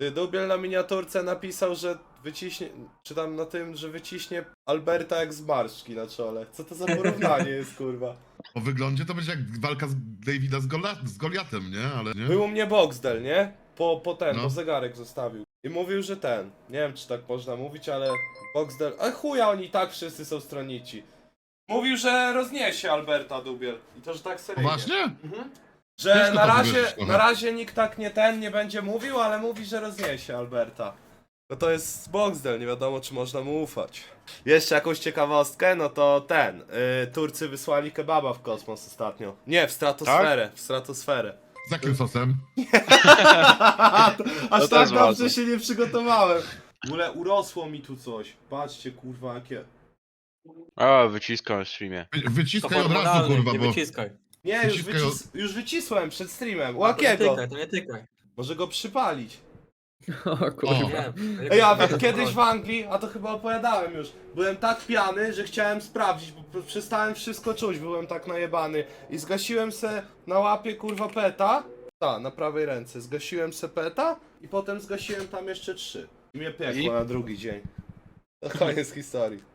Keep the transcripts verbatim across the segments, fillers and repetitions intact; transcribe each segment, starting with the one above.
Ty, Dubiel na miniaturce napisał, że wyciśnie, czy tam na tym, że wyciśnie Alberta jak z marszczki na czole. Co to za porównanie jest, kurwa? Po wyglądzie to będzie jak walka z Davida z, Gola z Goliatem, nie? Ale nie? Był u mnie Boxdel, nie? Po, po ten, No. bo zegarek zostawił. I mówił, że ten, nie wiem czy tak można mówić, ale Boxdel, a chuja oni i tak wszyscy są stronnici. Mówił, że rozniesie Alberta Dubiel. I to, że tak seryjnie. Poważnie? Mhm. Że Ciężko na to razie, uwierzyć trochę. na razie nikt tak nie ten nie będzie mówił, ale mówi, że rozniesie Alberta. No to jest Boxdel, nie wiadomo czy można mu ufać. Jeszcze jakąś ciekawostkę, no to ten, yy, Turcy wysłali kebaba w kosmos ostatnio. Nie, w stratosferę, w stratosferę. Z jakim sosem? Aż też tak dobrze ważne. się nie przygotowałem. W ogóle urosło mi tu coś. Patrzcie kurwa jakie. A, wyciskam w streamie. Wy- To Wyciskaj od razu, hormonalny, kurwa, nie bo... wyciskaj. Nie, już, Wyciskaj wycis już wycisłem przed streamem. To nie Łakiego. tykaj, to nie tykaj. Może go przypalić. O O. kurwa. Nie. Ej, a wie- kiedyś w Anglii, a to chyba opowiadałem już, byłem tak pijany, że chciałem sprawdzić, bo p- przestałem wszystko czuć, byłem tak najebany. I zgasiłem se na łapie kurwa peta, ta, na prawej ręce, zgasiłem se peta i potem zgasiłem tam jeszcze trzy. I mnie piekło I? na drugi dzień. To koniec historii.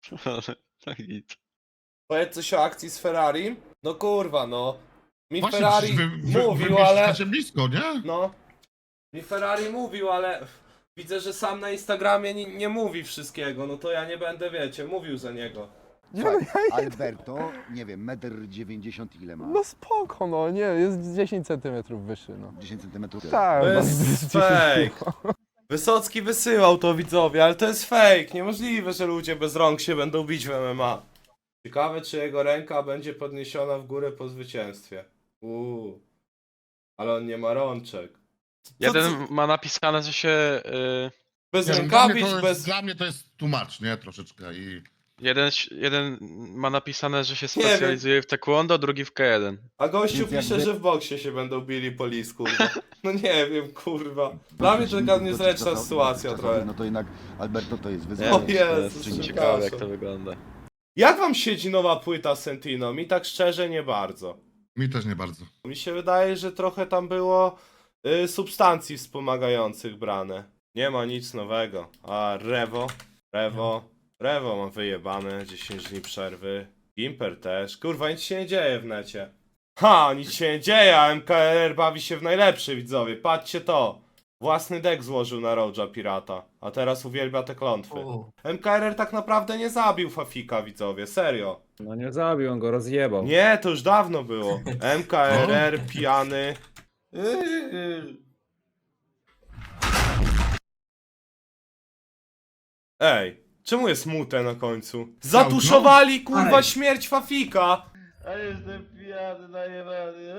Tak nic. Powiedz coś o akcji z Ferrari? No kurwa, no. Mi Właśnie, Ferrari przecież wy, wy, mówił, wy ale... mieszkacie blisko, nie? No. Mi Ferrari mówił, ale widzę, że sam na Instagramie nie, nie mówi wszystkiego, no to ja nie będę, wiecie, mówił za niego. Alberto, nie wiem, metr dziewięćdziesiąt ile ma? No spoko, no nie, jest dziesięć centymetrów wyższy, no. dziesięć centymetrów. Tak, To no, jest dziesięć, fake. Wysocki wysyłał to widzowie, ale to jest fake. Niemożliwe, że ludzie bez rąk się będą bić w M M A. Ciekawe, czy jego ręka będzie podniesiona w górę po zwycięstwie. Uuu. Ale on nie ma rączek. Co- Jeden ma napisane, że się... Y, Bez Nie wiem, dla, mnie rękawic, to jest, bez... dla mnie to jest tłumacz, nie? Troszeczkę i... jeden, jeden ma napisane, że się Nie wiem. specjalizuje w taekwondo, drugi w K jeden. A gościu Więc pisze, jakby- że w boksie się będą bili po lis, kurwa. No nie wiem, kurwa. Dla mnie to taka niezręczna sytuacja trochę. No to jednak Alberto to jest O wyzwanie. Jezus, Ciekawe przepraszam. jak to wygląda. Jak wam siedzi nowa płyta Sentino? Mi tak szczerze nie bardzo. Mi też nie bardzo. Mi się wydaje, że trochę tam było y, substancji wspomagających brane. Nie ma nic nowego. A Revo, Revo, Revo ma wyjebane, dziesięć dni przerwy. Gimper też. Kurwa, nic się nie dzieje w necie. Ha, nic się nie dzieje, a M K R bawi się w najlepszy, widzowie. Patrzcie to. Własny deck złożył na Roja Pirata, a teraz uwielbia te klątwy. O, M K R R tak naprawdę nie zabił Fafika, widzowie, serio. No nie zabił, on go rozjebał. Nie, to już dawno było. M K R R, pijany. Ej, czemu jest mute na końcu? Zatuszowali kurwa Ej. śmierć Fafika! A jestem pijany, najebany.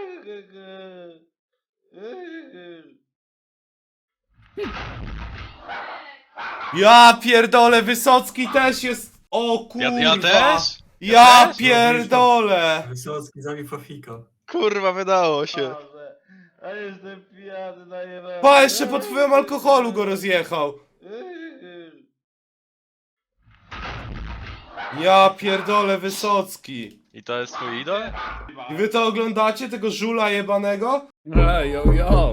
Ja pierdolę, Wysocki też jest... O kurwa! Ja, ja też? Ja też? pierdolę! Wysocki zabił Fafika. Kurwa, wydało się. A jestem pijany, najebany. Pa, jeszcze pod wpływem alkoholu go rozjechał. Ja pierdolę, Wysocki. I to jest twój idol? I wy to oglądacie, tego żula jebanego? Ej, yo, yo.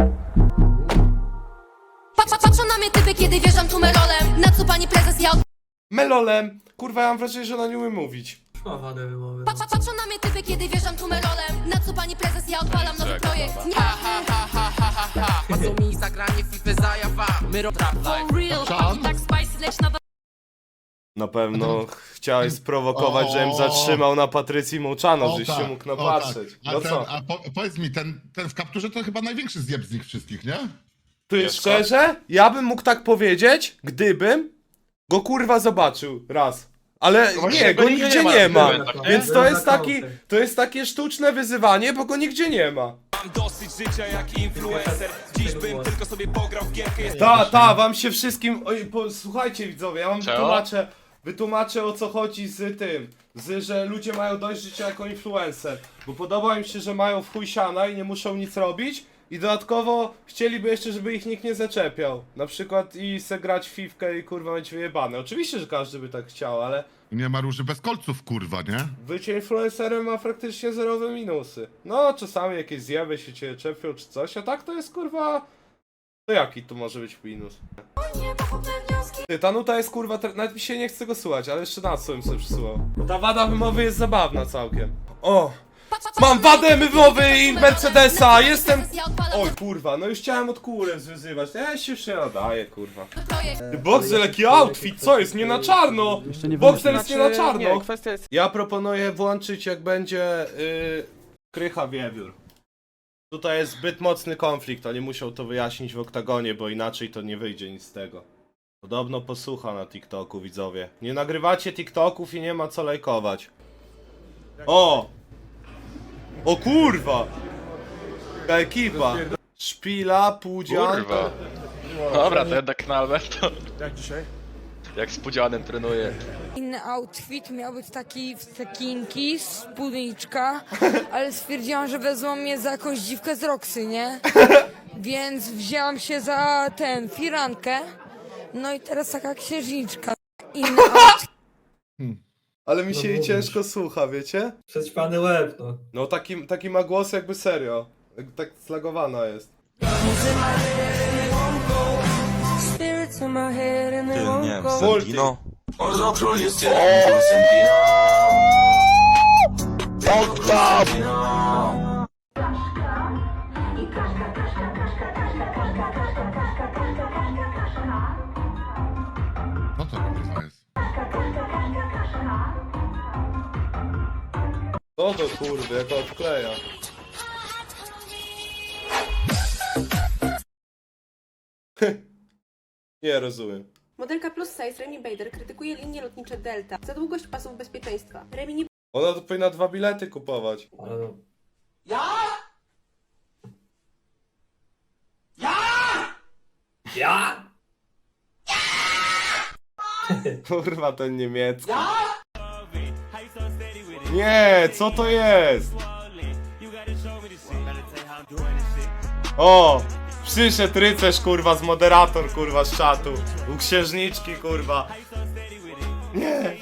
Patrz, patrzą na mnie typy, kiedy wjeżdżam tu melolem. Na co pani prezes, ja od... Melolem. Kurwa, ja mam wrażenie, że ona nie umie mówić. Ma wadę wymowy. Patrz, patrzą na mnie typy, kiedy wjeżdżam tu melolem. Na co pani prezes, ja odpalam nowy projekt. Nie, Płacą mi za granie FIFA za jawa. My rob trap life. for real. Sean? Tak spicy, leć na Na pewno chciałeś sprowokować, żebym O. zatrzymał na Patrycji Mołczano, O, żeś tak, się mógł o, napatrzeć. tak. A, No ten, co? a po, powiedz mi, ten, ten w kapturze to chyba największy zjeb z nich wszystkich, nie? Ty Wiesz co? szczerze? Ja bym mógł tak powiedzieć, gdybym go kurwa zobaczył raz. Ale właśnie nie, go go nigdzie nigdzie nie ma nie w ma. eventach, nie? Więc to Byłem jest na taki, kaucie. to jest takie sztuczne wyzywanie, bo go nigdzie nie ma. Mam dosyć życia jak influencer. Dziś bym tylko sobie pograł w gierkę. Jest Ta, ta, wam się wszystkim... Oj, po, słuchajcie widzowie, ja wam Czego? wytłumaczę, wytłumaczę o co chodzi z tym, z, że ludzie mają dość życia jako influencer, bo podoba im się, że mają w chuj siana i nie muszą nic robić i dodatkowo chcieliby jeszcze, żeby ich nikt nie zaczepiał, na przykład i se grać w fifkę i kurwa mieć wyjebane. Oczywiście, że każdy by tak chciał, ale I nie ma róży bez kolców, kurwa, nie? bycie influencerem ma praktycznie zerowe minusy. No, czasami jakieś zjawy się cię czepią czy coś, a tak to jest kurwa To jaki tu może być minus? Ty, ta nuta jest kurwa, tre- nawet mi się nie chce go słuchać, ale jeszcze na co bym sobie przysłał. Ta wada wymowy jest zabawna całkiem. O! Mam wadę wymowy i Mercedesa, jestem... Oj kurwa, no już chciałem od kółek zwyzywać, ja się już nie nadaję kurwa. Ty, Boxer, jaki outfit, co jest? Nie na czarno! Boxer jest nie na czarno! Ja proponuję włączyć jak będzie yy, Krycha Wiewiór. Tutaj jest zbyt mocny konflikt, oni muszą to wyjaśnić w oktagonie, bo inaczej to nie wyjdzie nic z tego. Podobno posłucha na TikToku, widzowie. Nie nagrywacie TikToków i nie ma co lajkować. O! O kurwa! Ta ekipa! Szpila, Pudzian. Kurwa. Dobra, to jednak na Alberto. Jak dzisiaj? Jak z Pudzianem trenuje. Inny outfit miał być taki w cekinki, spódniczka, ale stwierdziłam, że wezmą mnie za jakąś dziwkę z Roxy, nie? Więc wzięłam się za ten, firankę. No i teraz taka księżniczka. Inny outfit. Ale mi się No jej mówisz. ciężko słucha, wiecie? Przećpany łeb, no. No taki, taki ma głos jakby serio. Jak tak slagowana jest. Multi. Co to kurwa jest? Co to kurwy, jak odkleja. Nie rozumiem. Modelka plus size Remi Bader krytykuje linie lotnicze Delta za długość pasów bezpieczeństwa. Remi nie Ona to powinna dwa bilety kupować. Ale no. Ja? Kurwa ten niemiecki. Nie, co to jest? O! Przyszedł rycerz kurwa z moderator kurwa z czatu. U księżniczki kurwa. Nie.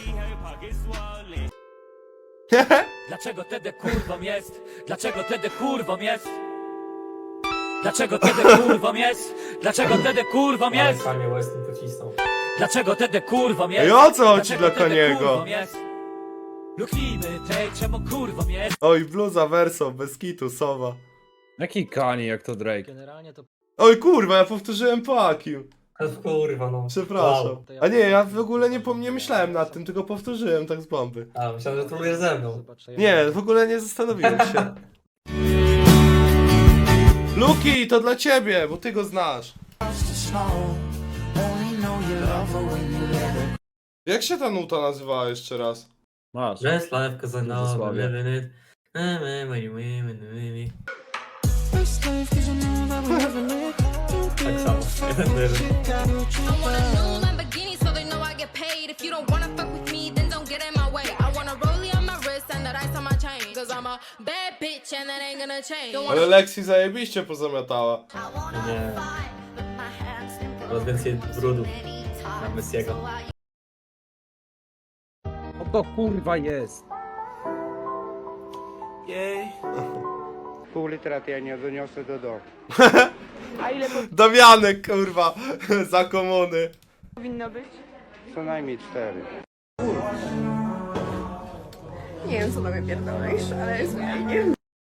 Dlaczego tedy kurwą jest? Dlaczego tedy kurwą jest? Dlaczego tedy kurwą jest? Dlaczego tedy kurwą Ale jest? Kanye West tym pocisnął. Dlaczego tedy kurwą jest? Ej, o co chodzi Dlaczego dla tedy Kaniego? kurwą jest? Luknijmy tej, czemu kurwą jest? Oj, bluza verso, bez kitu, sowa. Jaki Kanye, jak to Drake? Generalnie to Oj kurwa, ja powtórzyłem po Akim. Ale kurwa, no. Przepraszam. Wow. A nie, ja w ogóle nie, pom- nie myślałem nad tym, tylko powtórzyłem tak z bomby. A, myślałem, że trolujesz ze mną. Nie, w ogóle nie zastanowiłem się. Luki, to dla ciebie, bo ty go znasz. Jak się ta nuta nazywała jeszcze raz? Masz. Just life cause I know I'm Zasławie. living it. Eh, eh, when you win, when you win. Tak samo. Jeden do jeden. I want a new Lamborghini so they know I get paid. If you don't wanna fuck with me, then don't get in my way. I want a rollie on my wrist and the ice on my chain. Cause I'm a bad bitch and that ain't gonna change. Don't Ale Lexi zajebiście pozamiatała. Nie. Coraz więcej brudu na Messiego. O to kurwa jest. Pół litra to ja nie doniosę do domu. Damianek, kurwa, za komuny. powinno być. Co najmniej cztery. Nie wiem, co tobie pierdolisz, ale jest fajnie.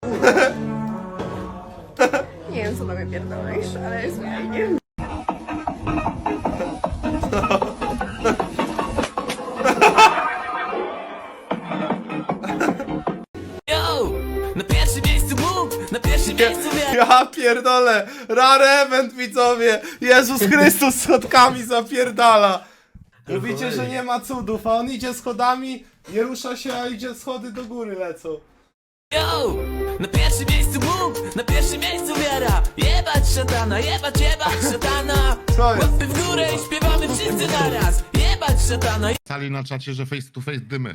Nie wiem, co tobie pierdolisz, ale jest fajnie. Yo! Na pierwszym miejscu Bóg! Na pierwszym miejscu wiara! Ja pierdolę, rare event widzowie, Jezus Chrystus schodkami zapierdala. Mówicie, że nie ma cudów, a on idzie schodami, nie rusza się, a idzie schody do góry lecą. Yo! Na pierwszym miejscu Bóg! Na pierwszym miejscu wiara! Jebać szatana, jebać, jebać szatana! Co jest? Łapy w górę i śpiewamy wszyscy naraz! Jebać szatana! Pisali na czacie, że face to face dymy.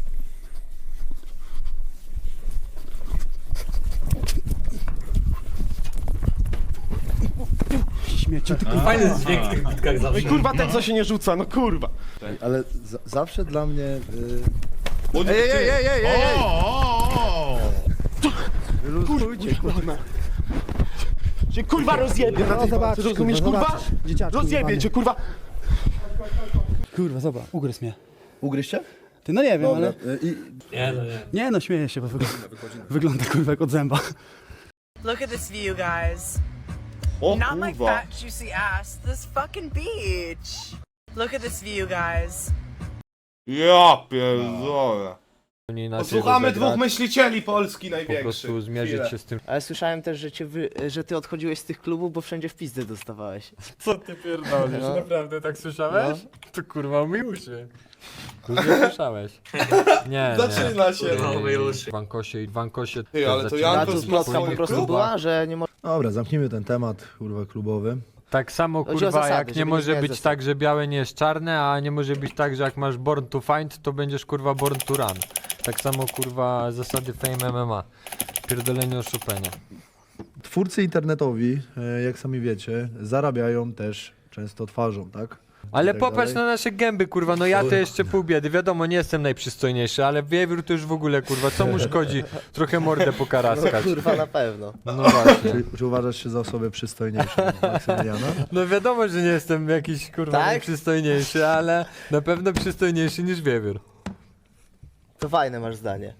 Fajny jest dźwięk w tych bitkach zawsze. Kurwa, ten co się nie rzuca, no kurwa. Ale za zawsze dla mnie... Y Ej, ej, ej, ej, ej, O, o, o, o. Luzujcie, kurwa. Cię kurwa rozjebie na tej walce, rozumiesz kurwa? Rozjebie cię kurwa! Kurwa, zobacz, ugryz mnie. Ugryźcie? Ty, no nie wiem, ale... Nie, no nie. Nie no, śmieję się, bo wygląda, wygląda kurwa jak od zęba. Look at this view, guys. O Not my kurwa. fat, juicy ass. This fucking beach. Look at this view, guys. Ja pierdolę. Posłuchamy dwóch myślicieli Polski największych. zmierzyć się z tym. Ale słyszałem też, że, cię wy... że ty odchodziłeś z tych klubów, bo wszędzie w pizdę dostawałeś. Co ty pierdolisz? No. Naprawdę tak słyszałeś? No. To kurwa myj uszy. To nie słyszałeś. Nie, Zaczyna się. W Wankosie i w Wankosie... Ty, ale to zaczyna- A Janko tu z plotka po swoich prostu klubach. była, że nie może... Dobra, zamknijmy ten temat, kurwa, klubowy. Tak samo Chodzi o kurwa, zasady, jak żeby nie nie może zmieniać być zasad. tak, że białe nie jest czarne, a nie może być tak, że jak masz born to find, to będziesz kurwa born to run. Tak samo kurwa zasady Fame M M A. Pierdolenie oszupenia. Twórcy internetowi, e, jak sami wiecie, zarabiają też często twarzą, tak? Ale tak popatrz dalej. na nasze gęby, kurwa, no ja to jeszcze pół biedy, wiadomo, nie jestem najprzystojniejszy, ale wiewiór to już w ogóle, kurwa, co mu szkodzi trochę mordę pokaraskać. Kurwa na pewno. No właśnie. Czy, czy uważasz się za osobę przystojniejszą od Maksymiliana? No wiadomo, że nie jestem jakiś, kurwa, Tak? najprzystojniejszy, ale na pewno przystojniejszy niż wiewiór. To fajne masz zdanie.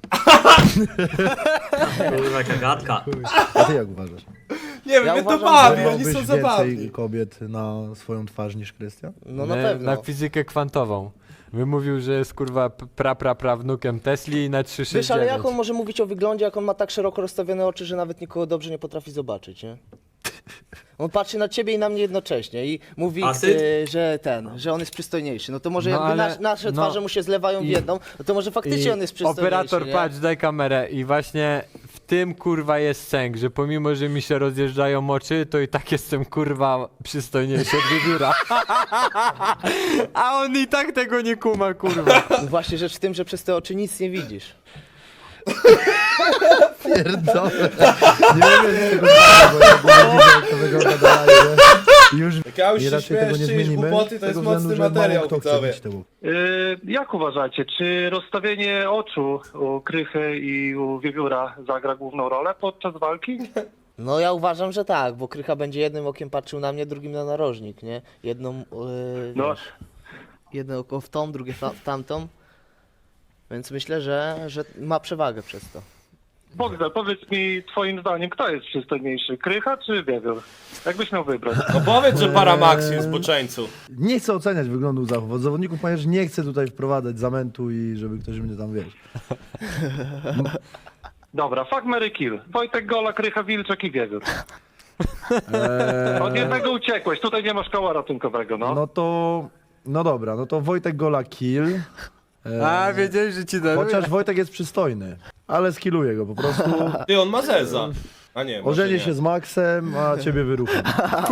Kurwa, jaka gadka. A ty jak uważasz? Nie wiem, Ja mnie to uważam, bawi, że oni Miałbyś są zabawni. więcej kobiet na swoją twarz niż Krystian? No na Nie, pewno. Na fizykę kwantową. Wymówił, że jest, kurwa, pra, pra, prawnukiem Tesli i na trzy sześć Wiesz, ale jak on dziewięć. może mówić o wyglądzie, jak on ma tak szeroko rozstawione oczy, że nawet nikogo dobrze nie potrafi zobaczyć, nie? On patrzy na ciebie i na mnie jednocześnie i mówi, Asyt? e, że ten, że on jest przystojniejszy. No to może No jakby ale- nas, nasze no twarze mu się zlewają w i- jedną, no to może faktycznie I on jest przystojniejszy, operator, nie? patrz, daj kamerę i właśnie w tym, kurwa, jest sęk, że pomimo, że mi się rozjeżdżają oczy, to i tak jestem, kurwa, przystojniejszy od wiewióra. A on i tak tego nie kuma, kurwa. No właśnie rzecz w tym, że przez te oczy nic nie widzisz. Pierdolę. Nie wiem, jak tego bo ja bo widzę, jak to wygląda dalej, nie? Już Jak ja już i się raczej tego śmiesz, nie czyjeś zmienimy. głupoty, to z tego jest względu, mocny że mało materiał, kto chce widzowie. bić te łupy. Yy, jak uważacie, czy rozstawienie oczu u Krychy i u Wiewióra zagra główną rolę podczas walki? No ja uważam, że tak, bo Krycha będzie jednym okiem patrzył na mnie, drugim na narożnik, nie? Jedną, yy, No. wiesz, jedno oko w tą, drugie w tamtą. Więc myślę, że, że ma przewagę przez to. Bogdan, powiedz mi twoim zdaniem, kto jest przystojniejszy, Krycha czy Wiewiór? Jakbyś miał wybrać? No powiedz, że Paramaxi jest zboczeńcu. Nie chcę oceniać wyglądu zachów od zawodników, ponieważ nie chcę tutaj wprowadzać zamętu i żeby ktoś mnie tam, wiesz. Dobra, fuck, marry, kill. Wojtek Gola, Krycha, Wilczek i Wiewiór. Eee, Od jednego uciekłeś, tutaj nie masz koła ratunkowego, no. no to... No dobra, no to Wojtek Gola kill. Eee, A, wiedziałem, że ci daruję. Chociaż Wojtek jest przystojny, ale skilluję go po prostu. Ty, on ma zeza. A nie, może Ożenię nie. się z Maxem, a ciebie wyrucham.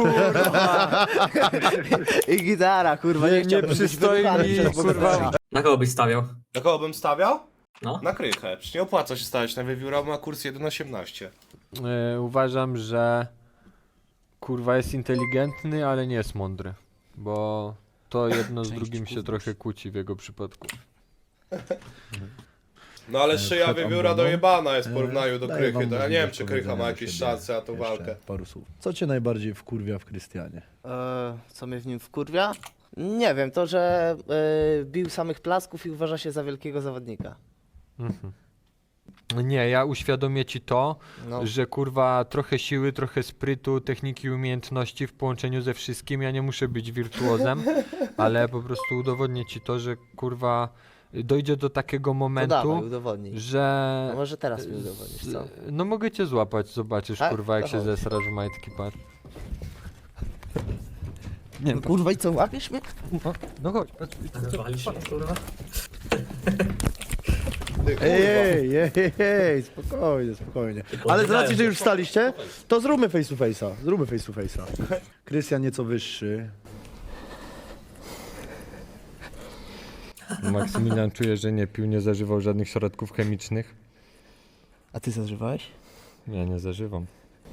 I gitara, kurwa, nie, Nie, nie chciałbym być przystoi wyruchany mi, przez kurwa. Bogdana. Na kogo byś stawiał? Na kogo bym stawiał? No. Na Krychę. Przecież nie opłaca się stawiać na wiewióra, bo ma kurs jeden osiemnaście. E, uważam, że kurwa jest inteligentny, ale nie jest mądry. Bo to jedno z drugim się trochę kłóci w jego przypadku. No ale szyja przed wiewióra ambroną. dojebana jest w porównaniu do Daję Krychy. wam To ja nie możliwość wiem, czy Krycha ma powiedzenia jakieś do siebie szanse na tą jeszcze walkę. Paru słów. Co cię najbardziej wkurwia w Krystianie? Eee, co mnie w nim wkurwia? Nie wiem, to, że e, bił samych plasków i uważa się za wielkiego zawodnika. Mhm. Nie, ja uświadomię ci to, No. że kurwa trochę siły, trochę sprytu, techniki, umiejętności w połączeniu ze wszystkim. Ja nie muszę być wirtuozem, ale po prostu udowodnię ci to, że kurwa dojdzie do takiego To momentu, dawaj, udowodnij. że... No może teraz mi udowodnisz, co? No mogę cię złapać, zobaczysz Tak? kurwa jak To się chodź. zesrasz w majtki, patrz. Nie, No kurwa i co, łapiesz mnie? no, no chodź, patrz. Walisz mnie, kurwa? Ej, ej, ej, ej, ej, spokojnie, spokojnie. Ale z racji, że już wstaliście, to zróbmy face to face'a. Zróbmy face to face'a. Krystian nieco wyższy. Maksymilian czuje, że nie pił, nie zażywał żadnych środków chemicznych. A ty zażywałeś? Ja nie zażywam.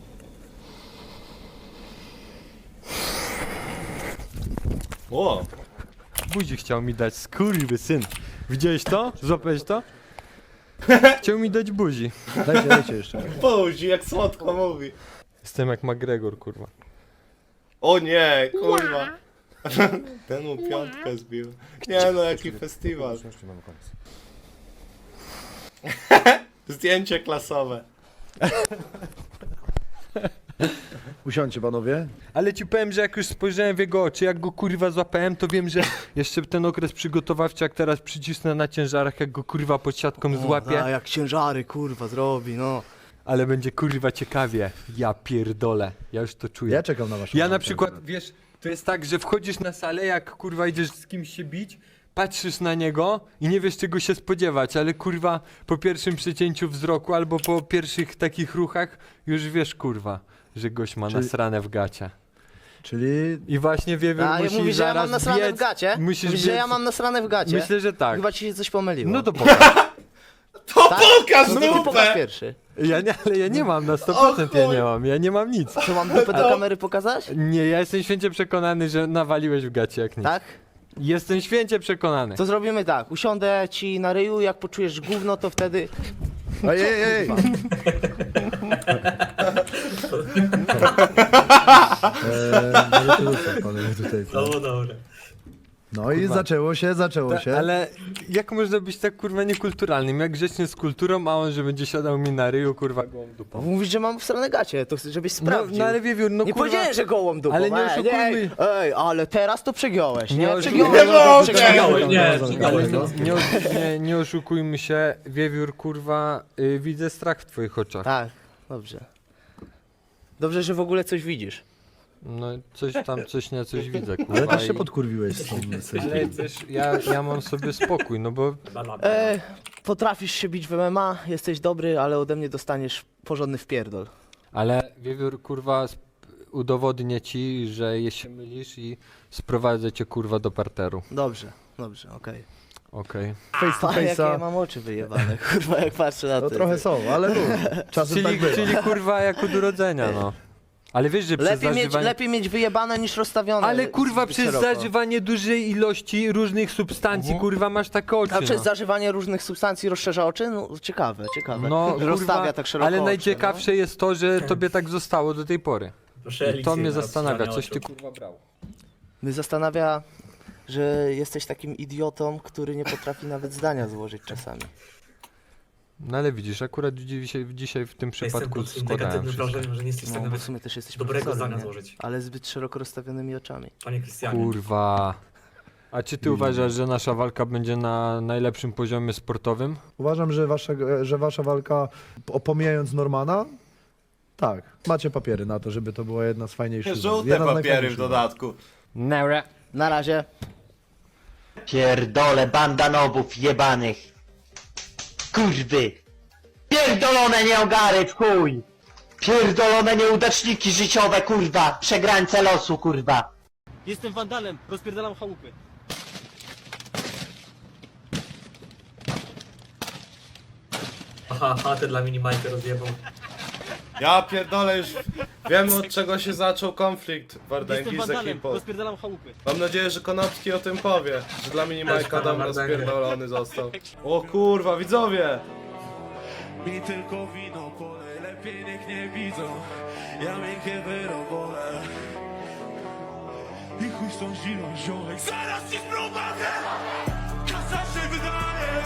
O! Buzi chciał mi dać, skurwy syn. Widziałeś to? Złapałeś to? Chciał mi dać buzi. Dajcie, dajcie jeszcze. Buzi, jak słodko mówi. Jestem jak McGregor, kurwa. O nie, kurwa. Ten mu piątkę zbił. Nie no, jaki festiwal. Zdjęcie klasowe. Usiądźcie panowie. Ale ci powiem, że jak już spojrzałem w jego oczy, jak go kurwa złapałem, to wiem, że jeszcze ten okres przygotowawczy, jak teraz przycisnę na ciężarach, jak go kurwa pod siatką złapię, A jak ciężary, kurwa, zrobi, no. ale będzie kurwa ciekawie. Ja pierdolę, ja już to czuję. Ja czekam na waszą Ja na walkę przykład, akurat. wiesz, to jest tak, że wchodzisz na salę, jak kurwa idziesz z kimś się bić, patrzysz na niego i nie wiesz czego się spodziewać, ale kurwa po pierwszym przecięciu wzroku albo po pierwszych takich ruchach już wiesz kurwa, że gość ma Czyli- nasrane w gacie. Czyli I właśnie Wiewiór A musi mówisz, że ja zaraz mam nasrane biec, w gacie? Musisz Mówisz, że biec- ja mam nasrane w gacie? Myślę, że tak. Chyba ci się coś pomyliło. No to pokaż. To Tak? pokaż No to ty pokaż dupę! pierwszy. Ja nie, ale ja nie mam, na sto procent ja nie mam, ja nie mam nic. Co, mam dupę do kamery pokazać? Nie, ja jestem święcie przekonany, że nawaliłeś w gacie jak nic. Tak? Jestem święcie przekonany. To zrobimy tak, usiądę ci na ryju, jak poczujesz gówno, to wtedy... Ej, ej, ej! Eee, no to ruszę, panowie, tutaj. No dobra. No i Kurwa. zaczęło się, zaczęło Ta, się. ale jak można być tak kurwa niekulturalnym? Jak grzecznie z kulturą, a on, że będzie siadał mi na ryju, kurwa gołą dupą. Mówisz, że mam w stronę gacie, to chcę, żebyś No, sprawdził. no ale Wiewiór, no nie kurwa... powiedziałem, że gołą dupą, Ale nie ej, oszukujmy. Ej, ale teraz to przegiąłeś, nie? Nie Przegiąłeś, oszukujmy. przegiąłeś. Nie, Ale przegiąłeś. nie, nie, osz- nie, nie oszukujmy się, Wiewiór, kurwa, y, widzę strach w twoich oczach. Tak, dobrze. Dobrze, że w ogóle coś widzisz. No coś tam, coś nie, coś widzę, kurwa. Ale też się i- podkurwiłeś z tą Ale selfie. też ja, ja mam sobie spokój, no bo E, potrafisz się bić w M M A, jesteś dobry, ale ode mnie dostaniesz porządny wpierdol. Ale Wiewiór, kurwa, sp- udowodnię ci, że je się mylisz i sprowadzę cię, kurwa, do parteru. Dobrze, dobrze, okej. Okej. Face to Okay. Jakie ja face'a. mam oczy wyjebane, kurwa, jak patrzę na No to. trochę są, ale no, czasem Czyli, tak bywa. czyli, kurwa, jak od urodzenia, no. Ale wiesz, że przez Lepiej mieć, zażywanie... lepiej mieć wyjebane niż rozstawione. Ale kurwa, zbyt przez szeroko. zażywanie dużej ilości różnych substancji, Mhm. kurwa, masz takie oczy, A przez no. zażywanie różnych substancji rozszerza oczy? No ciekawe, ciekawe. No, Że kurwa, rozstawia tak szeroko ale oczy, najciekawsze jest to, że tobie tak zostało do tej pory. Proszę I to mnie zastanawia, coś ty kurwa brał. no. Mnie zastanawia, że jesteś takim idiotą, który nie potrafi nawet zdania złożyć czasami. No ale widzisz, akurat dzisiaj, dzisiaj w tym przypadku składałem wszystko. że nie jesteś No, bo w sumie też jesteś dobrego profesorem, zdania nie? złożyć. Ale zbyt szeroko rozstawionymi oczami. Panie Krystianie. Kurwa. A czy ty uważasz, że nasza walka będzie na najlepszym poziomie sportowym? Uważam, że wasza, że wasza walka, o- pomijając Normana, tak, macie papiery na to, żeby to była jedna z fajniejszych. Żółte jedna z papiery w najfajniejszych walk. dodatku. Nara. Na razie. Pierdolę bandanowów jebanych. Kurwy. Pierdolone nieogary w chuj. Pierdolone nieudaczniki życiowe, kurwa. Przegrańce losu, kurwa. Jestem wandalem, rozpierdalam chałupy. Aha, chatę dla minimajka rozjebał. Ja pierdolę już wiemy od czego się zaczął konflikt Wardęgi z ekipą. rozpierdalam chałupy. Mam nadzieję, że Konopski o tym powie, że dla Minimajka Też dom pana Wardęgę. rozpierdolony został. O kurwa, widzowie! Mi tylko wino polej, lepiej niech nie widzą. Ja miękkie wyrobole. I chuj z tą zimą ziołek. Zaraz ci sprowadzę! Kasa się wydaje.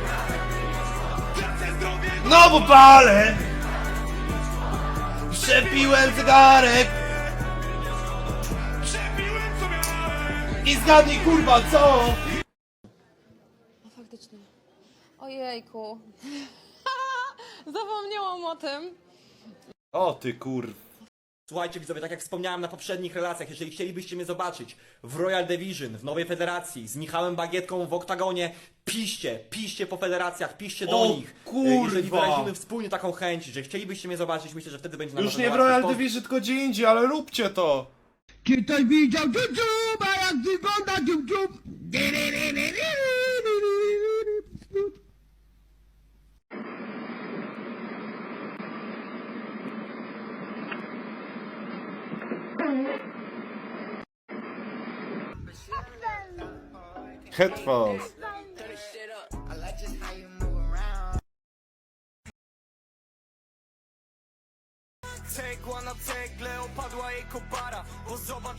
Tracę zdrowie. No bo palę! Przepiłem zegarek! Przepiłem co miałem. I zgadnij kurwa co? No faktycznie. Ojejku. Zapomniałam o tym. O ty kur... Słuchajcie widzowie, tak jak wspomniałem na poprzednich relacjach, jeżeli chcielibyście mnie zobaczyć w Royal Division, w Nowej Federacji, z Michałem Bagietką w oktagonie, piszcie, piszcie po federacjach, piszcie do O, nich. kurwa. Jeżeli wyrazimy wspólnie taką chęć, że chcielibyście mnie zobaczyć, myślę, że wtedy będzie nam Już nie w Royal Division, tylko gdzie indziej, ale róbcie to! Czy ktoś widział dziób, a jak wygląda dziób dziób? Headphones. Take one, I'll take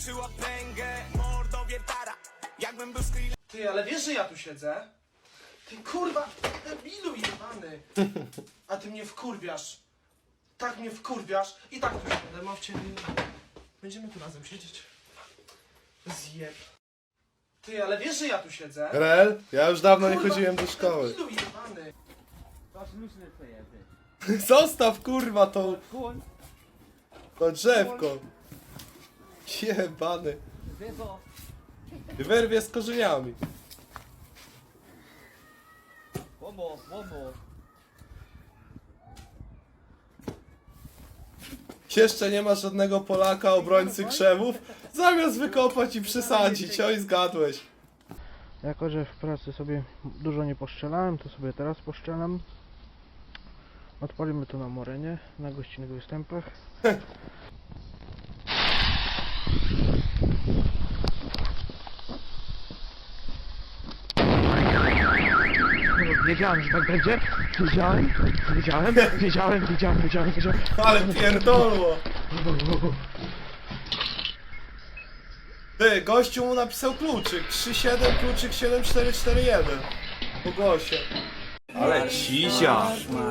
Ty, ale wiesz, że ja tu siedzę? Ty kurwa, debilu jebany. A ty mnie wkurwiasz. Tak mnie wkurwiasz. I tak tu siedzę, mam w ciebie. Będziemy tu razem siedzieć. Zjeb. Ty, ale wiesz, że ja tu siedzę? Rel, ja już dawno nie Kurwa, chodziłem do szkoły. Debilu jebany. Zostaw kurwa to. To drzewko. Jebany. Wyrwie z korzeniami. Jeszcze nie ma żadnego Polaka obrońcy krzewów? Zamiast wykopać i przesadzić, oj zgadłeś. Jako, że w pracy sobie dużo nie poszczelałem, to sobie teraz poszczelam. Odpalimy to na morenie, na gościnnych występach. Wiedziałem, że tak będzie. Wiedziałem, wiedziałem, wiedziałem, wiedziałem, wiedziałem, wiedziałem. Ale pierdolło. Ty, gościu mu napisał kluczyk. trzy siedem, kluczyk siedem cztery cztery jeden. Po głosie. Ale cizia.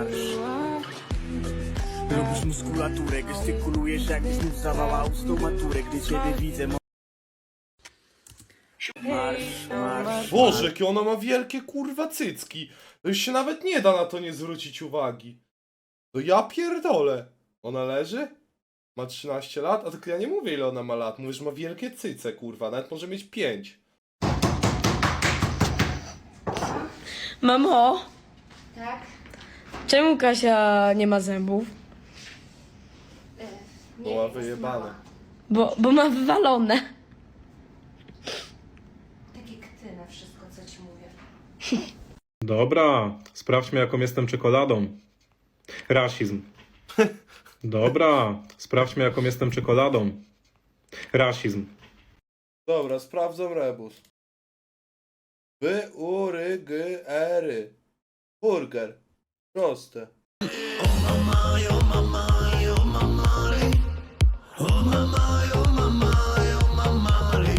Robisz muskulaturę, gestykulujesz jakbyś znów zawała ustą maturę, gdy ciebie widzę. Marsz, marsz. Boże, jakie ona ma wielkie kurwa cycki. To już się nawet nie da na to nie zwrócić uwagi. To ja pierdolę. Ona leży? Ma trzynaście lat? A tylko ja nie mówię ile ona ma lat. Mówię, że ma wielkie cyce kurwa. Nawet może mieć pięć. Mamo, Tak? czemu Kasia nie ma zębów? Bo ma wyjebane. Bo, bo ma wywalone. Takie kty na wszystko, co ci mówię. Dobra, sprawdźmy jaką jestem czekoladą. Rasizm. Dobra, sprawdźmy jaką jestem czekoladą. Rasizm. Dobra, sprawdzam rebus. By, u, ry, g, ery. Burger. Proste. Oh mama, oh mama, oh mama, oh mama.